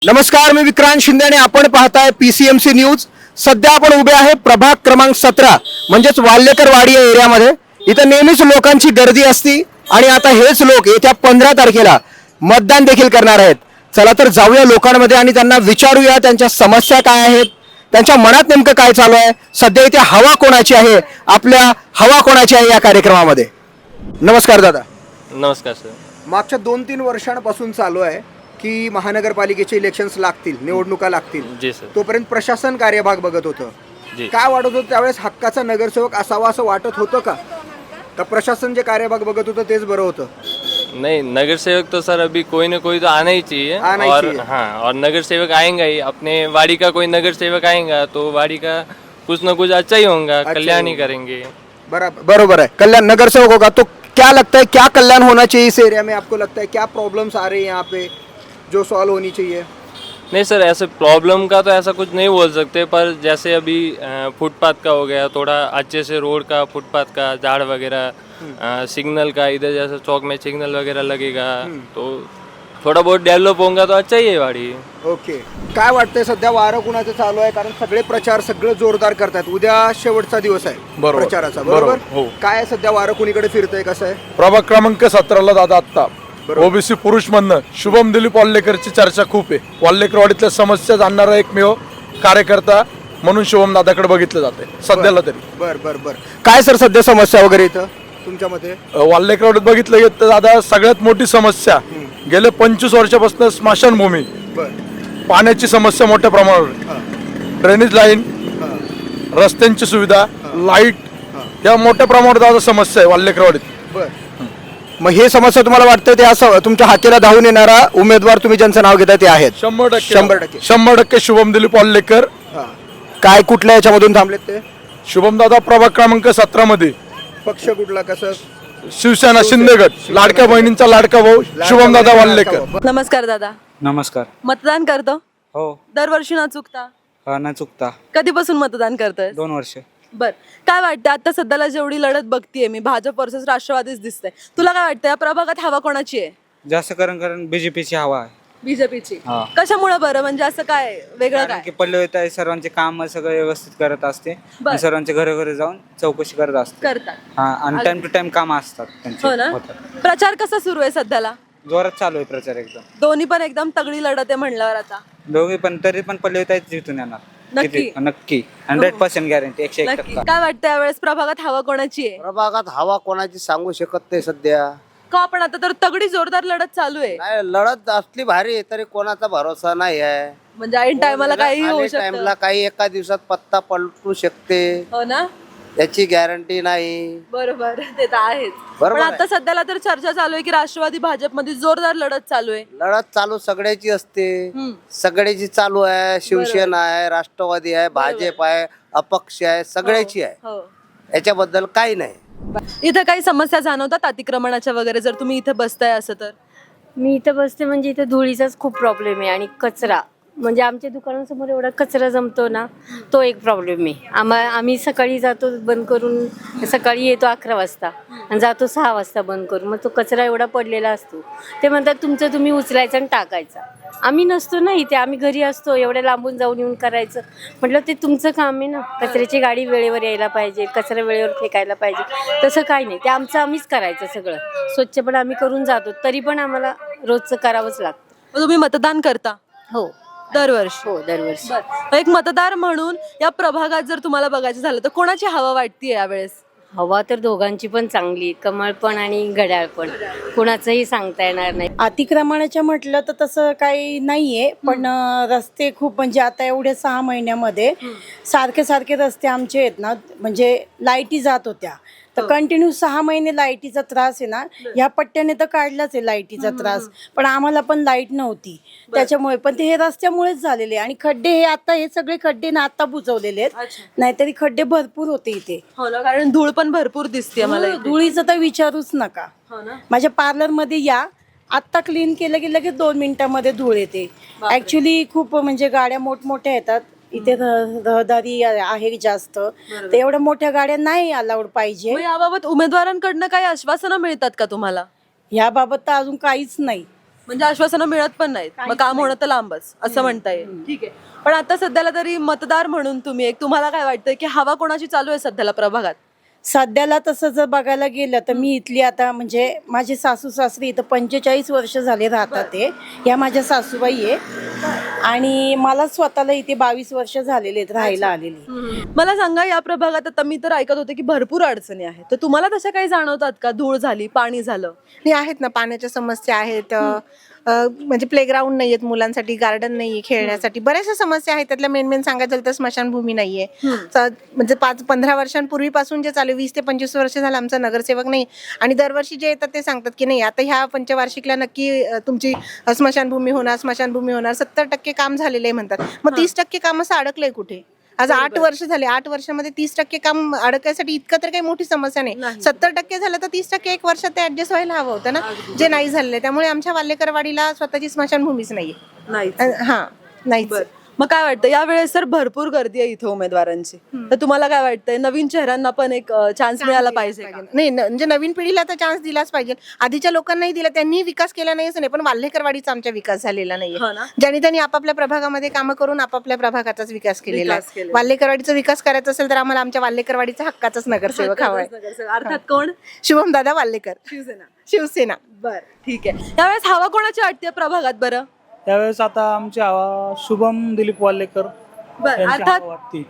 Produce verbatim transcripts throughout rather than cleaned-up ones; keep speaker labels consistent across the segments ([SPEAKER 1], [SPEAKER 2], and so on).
[SPEAKER 1] नमस्कार, मी विक्रांत शिंदे आणि आपण पाहताय पीसीएमसी न्यूज। सध्या आपण उभे आहे प्रभाग क्रमांक सतरा म्हणजेच वाल्लेकरवाडी या एरियामध्ये। इथं नेहमीच लोकांची गर्दी असती आणि आता हेच लोक येत्या पंधरा तारखेला मतदान देखील करणार आहेत। चला तर जाऊया लोकांमध्ये आणि त्यांना विचारूया त्यांच्या समस्या काय आहेत, त्यांच्या मनात नेमकं काय चालू आहे, सध्या इथे हवा कोणाची आहे, आपल्या हवा कोणाची आहे या कार्यक्रमामध्ये। नमस्कार दादा।
[SPEAKER 2] नमस्कार सर।
[SPEAKER 1] मागच्या दोन तीन वर्षांपासून चालू आहे की महानगरपालिकेचे इलेक्शन्स लागतील, निवडणुका लागतील,
[SPEAKER 2] जी सर।
[SPEAKER 1] तोपर्यंत प्रशासन कार्यभाग बघत होतं।
[SPEAKER 2] जी।
[SPEAKER 1] काय वाटत होतं त्यावेळेस हक्काचा नगरसेवक असावा असं वाटत होतं का? का प्रशासन जे कार्यभाग बघत होतं तेच बरं होतं?
[SPEAKER 2] नहीं, नगर सेवक तो सर अभी कोई ना कोई तो आना ही चाहिए।
[SPEAKER 1] आना ही
[SPEAKER 2] और
[SPEAKER 1] चाहिए।
[SPEAKER 2] हाँ, और नगर सेवक आएगा ही, अपने वाड़ी का कोई नगर सेवक आएगा तो वाड़ी का कुछ ना कुछ अच्छा ही होगा,
[SPEAKER 1] अच्छा
[SPEAKER 2] कल्याण ही
[SPEAKER 1] होगा।
[SPEAKER 2] करेंगे।
[SPEAKER 1] बराबर बरोबर है। कल्याण नगरसेवक होगा तो क्या लगता है, क्या कल्याण होना चाहिए इस एरिया में? आपको लगता है क्या प्रॉब्लम्स आ रही है यहाँ पे जो सॉल्व होनी चाहिए?
[SPEAKER 2] नहीं सर, ऐसे प्रॉब्लम का तो ऐसा कुछ नहीं बोल सकते, पर जैसे अभी अ, फुटपाथ का हो गया, थोड़ा अच्छे से रोड का, फुटपाथ का, झाड़ वगैरह, अ, सिग्नल का, इधर जैसे चौक में सिग्नल वगैरह लगेगा तो थोड़ा बहुत डेवलप होगा तो अच्छा ही है वाड़ी।
[SPEAKER 1] ओके, काय वाटतंय सध्या वारं कुणाचं चालू आहे? कारण सगळे प्रचार सगळं जोरदार करतात। उद्या शेवटचा दिवस आहे
[SPEAKER 3] बरोबर.
[SPEAKER 1] प्रचाराचा,
[SPEAKER 3] बरोबर,
[SPEAKER 1] बरोबर?
[SPEAKER 3] हो.
[SPEAKER 1] काय सध्या वारं कुणीकडे फिरतंय, कसं आहे?
[SPEAKER 3] प्रभाग क्रमांक सतराला दादा आत्ता
[SPEAKER 1] बरोबर.
[SPEAKER 3] ओबीसी पुरुष म्हणणं शुभम दिलीप वाल्लेकरची चर्चा खूप आहे। वाल्लेकरवाडीतल्या समस्या जाणणारा एकमेव कार्यकर्ता म्हणून शुभम दादाकडे बघितलं जाते सध्याला तरी।
[SPEAKER 1] बर बर बर काय सर सध्या समस्या वगैरे इथं तुमच्या मते?
[SPEAKER 3] वाल्लेकरवाडीत बघितलं गेलं तर दादा सगळ्यात मोठी समस्या गेले पंचवीस वर्षापासून स्मशानभूमी,
[SPEAKER 1] बर
[SPEAKER 3] पाण्याची समस्या मोठ्या प्रमाणावर,
[SPEAKER 1] हां
[SPEAKER 3] ड्रेनेज लाईन,
[SPEAKER 1] हां
[SPEAKER 3] रस्त्यांची सुविधा, लाईट, या मोठ्या प्रमाणावर दादा समस्या आहे वाल्लेकरवाडीत।
[SPEAKER 1] बर मग हे समस्या तुम्हाला वाटतं ते असं तुमच्या हाकेला धावून येणारा उमेदवार तुम्ही ज्यांचं नाव घेताय ते आहेत?
[SPEAKER 3] शंभर टक्के
[SPEAKER 1] शंभर टक्के
[SPEAKER 3] शंभर टक्के शुभम दिलीप वाल्लेकर।
[SPEAKER 1] हां काय कुठल्या याच्यामधून थांबलेत ते?
[SPEAKER 3] शुभम दादा प्रभाग क्रमांक सतरा मध्ये
[SPEAKER 1] पक्ष कुठला, कसं?
[SPEAKER 3] शिवसेना शिंदेगड, लाडक्या बहिणींचा लाडका भाऊ शुभम दादा वाल्लेकर।
[SPEAKER 4] नमस्कार दादा।
[SPEAKER 5] नमस्कार।
[SPEAKER 4] मतदान करतो
[SPEAKER 5] हो,
[SPEAKER 4] दरवर्षी न चुकता?
[SPEAKER 5] हा, न चुकता
[SPEAKER 4] कधीपासून मतदान करतोय?
[SPEAKER 5] दोन वर्ष।
[SPEAKER 4] बर काय वाटतं आता सध्याला जेवढी लढत बघतीये मी, भाजप वर्सेस राष्ट्रवादीच दिसतंय, तुला काय वाटतं या प्रभागात हवा कोणाची आहे?
[SPEAKER 5] जास्त करून कारण बीजेपीची हवा आहे।
[SPEAKER 4] बीजेपीची?
[SPEAKER 5] हा.
[SPEAKER 4] कशामुळे बरं, म्हणजे असं काय वेगळं
[SPEAKER 5] कारण
[SPEAKER 4] काय?
[SPEAKER 5] की पल्लवीत आहे, सर्वांचे काम सगळं व्यवस्थित करत असते
[SPEAKER 4] बर.
[SPEAKER 5] आणि सर्वांच्या घरोघरी जाऊन चौकशी करत असते।
[SPEAKER 4] करतात?
[SPEAKER 5] हा, आणि टाइम टू टाइम काम असतात त्यांचे
[SPEAKER 4] हो ना?
[SPEAKER 5] होतात।
[SPEAKER 4] प्रचार कसा सुरू आहे सध्याला?
[SPEAKER 5] जोरात चालू आहे प्रचार एकदम।
[SPEAKER 4] दोन्ही पण एकदम तगडी लढत आहे म्हणल्यावर आता
[SPEAKER 5] दोघे पण तरी पण पल्लवीत आहे जिथून येणार।
[SPEAKER 4] नक्की?
[SPEAKER 5] किती? नक्की हंड्रेड पर्सेंट गॅरंटी, एकशे एक
[SPEAKER 4] नक्की
[SPEAKER 5] टक्का।
[SPEAKER 4] काय वाटतं यावेळेस प्रभागात हवा कोणाची आहे?
[SPEAKER 6] प्रभागात हवा कोणाची सांगू शकत नाही सध्या।
[SPEAKER 4] का पण आता तर तगडी जोरदार लढत चालू आहे,
[SPEAKER 6] नाही, लढत असली भारी आहे, तरी कोणाचा भरोसा नाही आहे।
[SPEAKER 4] म्हणजे ऐन टायमाला काही होऊ शकतं.
[SPEAKER 6] टाइमला काही एका दिवसात पत्ता पलटू शकते,
[SPEAKER 4] हो ना?
[SPEAKER 6] याची गॅरंटी नाही।
[SPEAKER 4] बरोबर, ते तर आहेच।
[SPEAKER 6] बरोबर
[SPEAKER 4] पण
[SPEAKER 6] आहे.
[SPEAKER 4] आता सध्याला तर चर्चा चालू आहे की राष्ट्रवादी भाजप मध्ये जोरदार लढत चालू आहे।
[SPEAKER 6] लढत चालू सगळ्याची असते,
[SPEAKER 4] हम्म.
[SPEAKER 6] सगळ्याची चालू आहे। शिवसेना आहे, राष्ट्रवादी आहे, भाजप आहे, अपक्ष आहे, सगळ्याची आहे।
[SPEAKER 4] हो.
[SPEAKER 6] याच्याबद्दल काही नाही।
[SPEAKER 4] इथं काही समस्या जाणवतात अतिक्रमणाच्या वगैरे, जर तुम्ही इथं बसताय असं तर?
[SPEAKER 7] मी इथं बसते म्हणजे इथं धुळीचाच खूप प्रॉब्लेम आहे आणि कचरा, म्हणजे आमच्या दुकानासमोर एवढा कचरा जमतो ना, तो एक प्रॉब्लेम आहे। आम्हा आम्ही सकाळी जातो बंद करून, सकाळी येतो अकरा वाजता आणि जातो सहा वाजता बंद करून, मग तो कचरा एवढा पडलेला असतो। ते म्हणतात तुमचं तुम्ही उचलायचा आणि टाकायचा, आम्ही नसतो ना इथे, आम्ही घरी असतो, एवढ्या लांबून जाऊन येऊन करायचं म्हटलं ते तुमचं काम आहे ना। कचऱ्याची गाडी वेळेवर यायला पाहिजे, कचरा वेळेवर फेकायला पाहिजे, तसं काही नाही, ते आमचं आम्हीच करायचं सगळं। स्वच्छ पण आम्ही करून जातो, तरी पण आम्हाला रोजचं करावंच लागतं।
[SPEAKER 4] मग तुम्ही मतदान करता?
[SPEAKER 7] हो
[SPEAKER 4] दरवर्षी?
[SPEAKER 7] हो दरवर्षी।
[SPEAKER 4] बरं. एक मतदार म्हणून या प्रभागात जर तुम्हाला बघायचं झालं तर कोणाची हवा वाटतीये यावेळेस?
[SPEAKER 7] हवा तर दोघांची पण चांगली, कमळ पण आणि घड्याळ पण, कुणाचंही सांगता येणार नाही।
[SPEAKER 8] अतिक्रमणाच्या म्हटलं तर तसं काही नाहीये, पण अं, रस्ते खूप म्हणजे आता एवढ्या सहा महिन्यामध्ये सारखे सारखे रस्ते आमचे आहेत ना, म्हणजे लाईटी जात होत्या तर कंटिन्यू सहा महिने लाईटीचा त्रास आहे ना, ह्या पट्ट्याने तर काढलाच आहे लाईटीचा त्रास, पण आम्हाला पण लाईट नव्हती त्याच्यामुळे, पण ते हे रस्त्यामुळेच झालेले। आणि खड्डे हे आता हे सगळे खड्डे ना आता बुजवलेले आहेत, नाहीतरी खड्डे भरपूर होते इथे।
[SPEAKER 4] हो ना, कारण धूळ पण भरपूर दिसते मला इथे.
[SPEAKER 8] धुळीचं तर विचारूच नका।
[SPEAKER 4] हो ना?
[SPEAKER 8] माझ्या पार्लर मध्ये या, आत्ता क्लीन केलं की लगेच दोन मिनिटांमध्ये धूळ येते। ऍक्च्युली खूप म्हणजे गाड्या मोठमोठ्या येतात इथे, रह- रहदारी आहे जास्त, तर एवढ्या मोठ्या गाड्या नाही अलाउड पाहिजे।
[SPEAKER 4] मग याबाबत उमेदवारांकडनं काही आश्वासनं मिळतात का तुम्हाला?
[SPEAKER 8] याबाबत तर अजून काहीच नाही।
[SPEAKER 4] म्हणजे आश्वासनं मिळत पण नाहीत, मग काम होणं तर लांबच असं म्हणता येईल. ठीक आहे, पण आता सध्याला तरी मतदार म्हणून तुम्ही एक, तुम्हाला काय वाटतंय की हवा कोणाची चालू आहे सध्याला प्रभागात?
[SPEAKER 8] सध्याला तसं जर बघायला गेलं तर मी इथली आता म्हणजे माझे सासू सासरी इथं पंचेचाळीस वर्ष झाले राहतात ते, या माझ्या सासूबाई आहे आणि मला स्वतःला इथे बावीस वर्ष झालेले आहेत राहायला आलेली.
[SPEAKER 4] मला सांगा, या प्रभागात आता मी तर ऐकत होते की भरपूर अडचणी आहेत, तर तुम्हाला तशा काही जाणवतात का? धूळ झाली, पाणी झालं,
[SPEAKER 9] नाही आहेत ना, पाण्याच्या समस्या आहेत, अ, अ, म्हणजे प्लेग्राऊंड नाही आहेत मुलांसाठी, गार्डन नाहीये खेळण्यासाठी, बऱ्याचशा समस्या आहेत. त्यातल्या मेन मेन सांगायचं झालं तर स्मशानभूमी नाहीये. च- म्हणजे पाच पंधरा वर्षांपूर्वीपासून जे चालू वीस ते पंचवीस वर्ष झालं आमचा नगरसेवक नाही, आणि दरवर्षी जे येतात ते सांगतात की नाही आता ह्या पंचवार्षिकला नक्की अ, तुमची अ, स्मशानभूमी होणार स्मशानभूमी होणार सत्तर टक्के काम झालेलं आहे म्हणतात. मग तीस टक्के काम असं अडकलंय कुठे? आज आठ वर्ष झाले, आठ वर्षामध्ये तीस टक्के काम अडकायसाठी इतकं तर काही मोठी समस्या नाही. सत्तर टक्के झालं तर तीस टक्के एक वर्षात ते ऍडजस्ट व्हायला हवं होतं ना, जे नाही झालेलं आहे. त्यामुळे आमच्या वाल्लेकरवाडीला स्वतःची स्मशानभूमीच नाहीये.
[SPEAKER 4] नाही.
[SPEAKER 9] अ, हा नाहीच.
[SPEAKER 4] मग काय वाटतं, यावेळेस तर भरपूर गर्दी आहे इथं उमेदवारांची, तर तुम्हाला काय वाटतंय नवीन चेहऱ्यांना पण एक चान्स मिळाला पाहिजे का?
[SPEAKER 9] नाही न- म्हणजे नवीन पिढीला तर चान्स दिलाच पाहिजे. आधीच्या लोकांनाही दिला, त्यांनी विकास केला नाही असं नाही, पण वाल्हेकरवाडीचा आमचा विकास झालेला
[SPEAKER 4] हो
[SPEAKER 9] नाहीये.
[SPEAKER 4] ना?
[SPEAKER 9] ज्यांनी त्यांनी आपापल्या प्रभागामध्ये कामं करून आपापल्या प्रभागाचाच विकास केलेला
[SPEAKER 4] विकास
[SPEAKER 9] आहे.
[SPEAKER 4] केलेला.
[SPEAKER 9] वाल्हेकरवाडीचा विकास करायचा असेल तर आम्हाला आमच्या वाल्हेकरवाडीचा हक्काचाच नगरसेवक हवाय.
[SPEAKER 4] अर्थात कोण?
[SPEAKER 9] शुभम दादा वाल्हेकर,
[SPEAKER 4] शिवसेना.
[SPEAKER 9] शिवसेना.
[SPEAKER 4] बर, ठीक आहे. यावेळेस हवा कोणाची वाटते प्रभागात बरं?
[SPEAKER 10] त्यावेळेस आता आमची हवा शुभम दिलीप वाल्लेकर
[SPEAKER 4] बर,
[SPEAKER 10] यांची
[SPEAKER 4] अर्थात
[SPEAKER 10] हवा वाटते.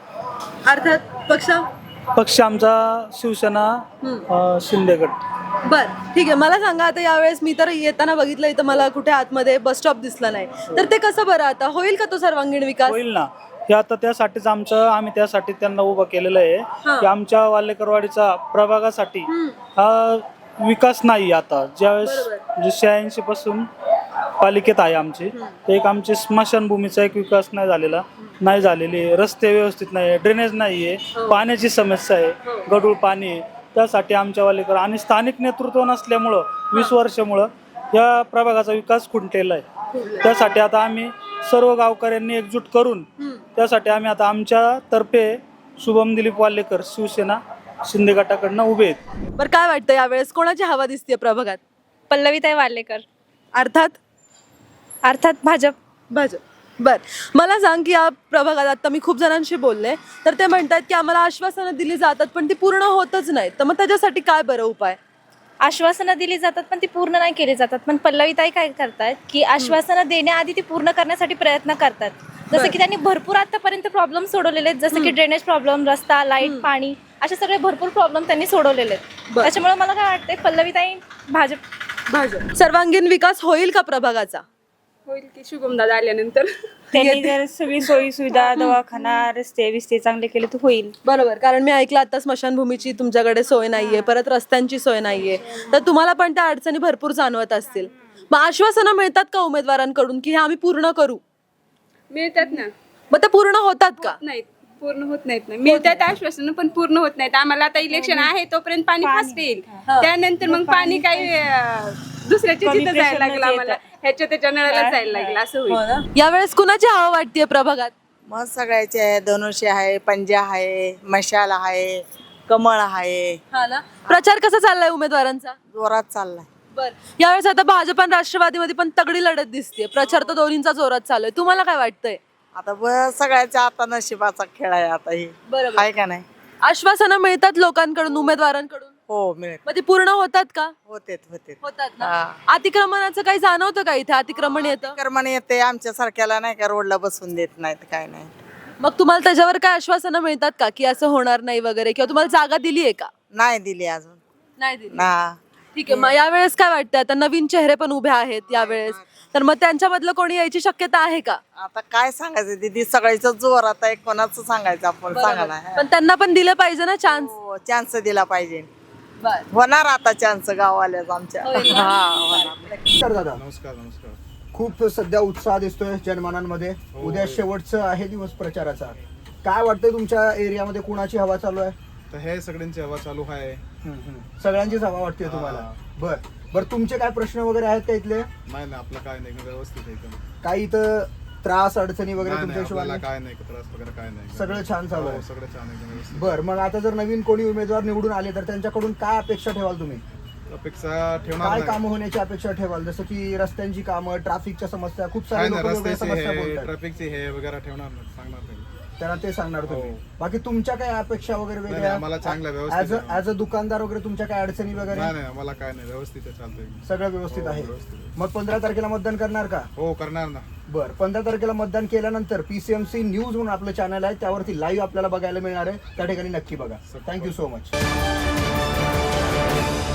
[SPEAKER 4] अर्थात पक्ष.
[SPEAKER 10] पक्ष आमचा शिवसेना अं, शिंदेगड.
[SPEAKER 4] बर, ठीक आहे. मला सांगा, आता यावेळेस मी तर येताना बघितलं इथं मला कुठे आतमध्ये बस स्टॉप दिसला नाही, तर ते कसं बरं, आता होईल का तो सर्वांगीण विकास?
[SPEAKER 10] होईल ना, हे आता त्यासाठीच आमचं आम्ही त्यासाठी त्यांना उभं केलेलं आहे की आमच्या वाल्लेकरवाडीचा प्रभागासाठी हा विकास नाही. आता ज्यावेळेस म्हणजे शहाऐंशी पासून पालिकेत आहे आमची, तर एक आमची स्मशानभूमीचा एक विकास नाही झालेला नाही झालेली आहे. रस्ते व्यवस्थित नाही आहे, ड्रेनेज नाही आहे, पाण्याची समस्या आहे, गढूळ पाणी आहे. त्यासाठी आमच्या वालेकर आणि स्थानिक नेतृत्व नसल्यामुळं वीस वर्षामुळं या प्रभागाचा विकास खुंटलेला आहे. त्यासाठी आता आम्ही सर्व गावकऱ्यांनी एकजूट करून त्यासाठी आम्ही आता आमच्या तर्फे शुभम दिलीप वाल्लेकर शिवसेना शिंदे गटाकडनं उभे आहेत.
[SPEAKER 4] बरं, काय वाटतं यावेळेस कोणाची हवा दिसते प्रभागात?
[SPEAKER 11] पल्लवीताई वाल्लेकर.
[SPEAKER 4] अर्थात
[SPEAKER 11] अर्थात भाजप.
[SPEAKER 4] भाजप. बर, मला सांग की या प्रभागात आता मी खूप जणांशी बोलले, तर ते म्हणतात की आम्हाला आश्वासनं दिली जातात पण ती पूर्ण होतच नाहीत, तर मग त्याच्यासाठी काय बरं उपाय?
[SPEAKER 11] आश्वासनं दिली जातात पण ती पूर्ण नाही केली जातात. पण पल्लवीताई काय करतात की आश्वासनं देण्याआधी ती पूर्ण करण्यासाठी प्रयत्न करतात. जसं की त्यांनी भरपूर आतापर्यंत प्रॉब्लेम सोडवलेले आहेत, जसं की ड्रेनेज प्रॉब्लेम, रस्ता, लाईट, पाणी, असे सगळे भरपूर प्रॉब्लेम त्यांनी सोडवलेले आहेत. त्याच्यामुळे मला काय वाटतंय, पल्लवीताई भाजप.
[SPEAKER 4] भाजप. सर्वांगीण विकास होईल का प्रभागाचा?
[SPEAKER 11] होईल की शुभम दादा आल्यानंतर.
[SPEAKER 7] त्यांनी जर सगळी सोयी सुविधा, दवाखाना, रस्ते बिस्ते चांगले केले तर होईल.
[SPEAKER 4] बरोबर, कारण मी ऐकलं आता स्मशानभूमीची तुमच्याकडे सोय नाहीये, परत रस्त्यांची सोय नाहीये, तर तुम्हाला पण त्या अडचणी भरपूर जाणवत असतील. मग आश्वासनं मिळतात का उमेदवारांकडून की हे आम्ही पूर्ण करू?
[SPEAKER 11] मिळतात ना.
[SPEAKER 4] मग ते पूर्ण होतात का?
[SPEAKER 11] नाहीत, पूर्ण होत नाहीत ना. मिळतात आश्वासन पण पूर्ण होत नाहीत. आम्हाला आता इलेक्शन आहे तोपर्यंत पाणी फास्ट येईल, त्यानंतर मग पाणी काही अं, दुसऱ्याच्या तिथं जायला लागलं, आम्हाला ह्याच्या त्याच्या नळाला जायला लागलं, असं होईल.
[SPEAKER 4] यावेळेस कुणाची हवा वाटते प्रभागात?
[SPEAKER 9] मग सगळ्याचे आहे, धनुष्य आहे, पंजा आहे, मशाल आहे, कमळ आहे,
[SPEAKER 4] हा ना. प्रचार कसा चाललाय उमेदवारांचा?
[SPEAKER 9] जोरात चाललाय.
[SPEAKER 4] बर, यावेळेस आता भाजप आणि राष्ट्रवादीमध्ये पण तगडी लढत दिसते, प्रचार तर दोन्हींचा जोरात चालू आहे, तुम्हाला काय वाटतंय?
[SPEAKER 9] आता बस सगळ्याच्या आता नशिबाचा खेळ आहे आता ही,
[SPEAKER 4] बरोबर.
[SPEAKER 9] आहे का नाही?
[SPEAKER 4] आश्वासनं मिळतात लोकांकडून, उमेदवारांकडून,
[SPEAKER 9] हो मिळेल.
[SPEAKER 4] मग ती पूर्ण होतात का?
[SPEAKER 9] होते होते.
[SPEAKER 4] होतात ना. अतिक्रमणाचं काही जाणवतं का इथे? अतिक्रमण येतं?
[SPEAKER 9] कर्मण येते आमच्या सारख्याला नाही का, रोडला बसून देत नाहीत काय नाही.
[SPEAKER 4] मग तुम्हाला त्याच्यावर काय आश्वासनं मिळतात का की असं होणार नाही वगैरे, किंवा तुम्हाला जागा दिली आहे का?
[SPEAKER 9] नाही दिली अजून.
[SPEAKER 4] नाही दिली.
[SPEAKER 9] ना
[SPEAKER 4] ठीक आहे, मग यावेळेस काय वाटतं, आता नवीन चेहरे पण उभे आहेत यावेळेस, तर मग त्यांच्यामधलं कोणी यायची शक्यता आहे का?
[SPEAKER 9] आता काय सांगायचं दीदी, सगळ्याच जोर आता एक कोणाचं सांगायचं आपण, सांगा ना.
[SPEAKER 4] पण त्यांना पण दिलं पाहिजे ना चान्स.
[SPEAKER 9] चान्स दिला पाहिजे. होणार आता चान्स गाववाल्याच आमच्या. हा होणार.
[SPEAKER 1] तर दादा
[SPEAKER 3] नमस्कार नमस्कार.
[SPEAKER 1] खूप सध्या उत्साह दिसतोय जनमानांमध्ये, उद्या शेवटचं आहे दिवस प्रचाराचा. काय वाटतंय तुमच्या एरियामध्ये कुणाची हवा चालू आहे?
[SPEAKER 3] तर हे सगळ्यांची हवा चालू आहे.
[SPEAKER 1] सगळ्यांचीच हवा वाटते तुम्हाला? बर बर, तुमचे काय प्रश्न वगैरे आहेत का इथले?
[SPEAKER 3] नाही नाही, आपलं काय नाही, व्यवस्थित आहे एकदम.
[SPEAKER 1] काही इथं त्रास अडचणी वगैरे तुमच्या
[SPEAKER 3] आपल्याला
[SPEAKER 1] हिशोबाने?
[SPEAKER 3] काय नाही, त्रास वगैरे काय नाही,
[SPEAKER 1] सगळं छान चालू आहे?
[SPEAKER 3] हो, सगळं छान एकदम व्यवस्थित.
[SPEAKER 1] बर, मग आता जर नवीन कोणी उमेदवार निवडून आले तर त्यांच्याकडून काय अपेक्षा ठेवाल तुम्ही?
[SPEAKER 12] अपेक्षा ठेवणार
[SPEAKER 1] काय
[SPEAKER 12] नाही.
[SPEAKER 1] कामं होण्याची अपेक्षा ठेवाल? जसं की रस्त्यांची कामं, ट्रॅफिकच्या समस्या, खूप
[SPEAKER 12] काय
[SPEAKER 1] सारे
[SPEAKER 12] नाही,
[SPEAKER 1] लोक वेगवेगळ्या
[SPEAKER 12] रस्त्याची
[SPEAKER 1] समस्या
[SPEAKER 12] हे
[SPEAKER 1] बोलतात.
[SPEAKER 12] ट्रॅफिकची हे वगैरे ठेवणार नाही, सांगणार नाही.
[SPEAKER 1] त्यांना ते सांगणार तुम्ही.
[SPEAKER 12] हो.
[SPEAKER 1] बाकी तुमच्या काय अपेक्षा वगैरे
[SPEAKER 12] नाही,
[SPEAKER 1] वेगळ्या?
[SPEAKER 12] आम्हाला चांगलं व्यवस्थित
[SPEAKER 1] ऍज
[SPEAKER 12] आहे.
[SPEAKER 1] ऍज अ दुकानदार वगैरे तुमच्या काय अडचणी वगैरे?
[SPEAKER 12] नाही नाही आम्हाला काय नाही, व्यवस्थित आहे, चालतंय.
[SPEAKER 1] सगळं व्यवस्थित
[SPEAKER 12] हो,
[SPEAKER 1] आहे.
[SPEAKER 12] व्यवस्थित आहे.
[SPEAKER 1] मग पंधरा तारखेला मतदान करणार का?
[SPEAKER 12] हो करणार ना.
[SPEAKER 1] बर, पंधरा तारखेला मतदान केल्यानंतर पीसीएमसी न्यूज म्हणून आपलं चॅनल आहे, त्यावरती लाईव्ह आपल्याला बघायला मिळणार आहे. त्या ठिकाणी नक्की बघा. Thank you so much.